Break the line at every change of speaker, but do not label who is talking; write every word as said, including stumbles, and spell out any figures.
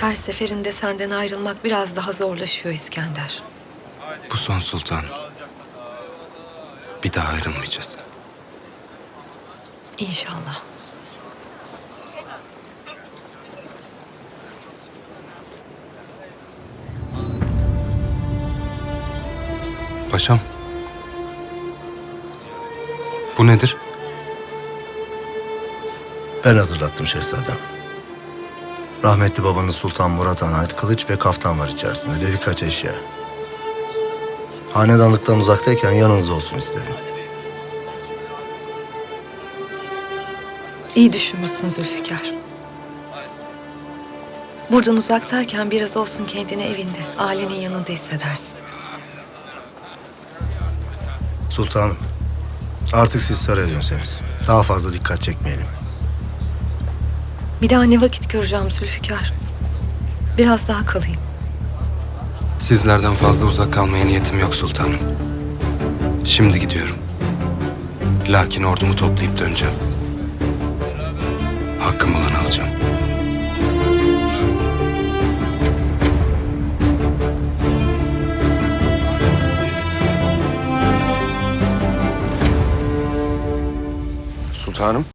Her seferinde senden ayrılmak biraz daha zorlaşıyor İskender.
Bu son sultan. Bir daha ayrılmayacağız.
İnşallah.
Paşam. Bu nedir?
Ben hazırlattım şehzadem. Rahmetli babanız Sultan Murat Han'a ait kılıç ve kaftan var içerisinde de birkaç eşya. Hanedanlıktan uzaktayken yanınızda olsun istedim.
İyi düşünmüşsün Zülfikar. Buradan uzaktayken biraz olsun kendini evinde, ailenin yanında hissedersin.
Sultanım, artık siz saraya dönseniz. Daha fazla dikkat çekmeyelim.
Bir daha ne vakit göreceğim Zülfikar? Biraz daha kalayım.
Sizlerden fazla uzak kalmaya niyetim yok sultanım. Şimdi gidiyorum. Lakin ordumu toplayıp döneceğim. Hakkım olanı alacağım.
Sultanım.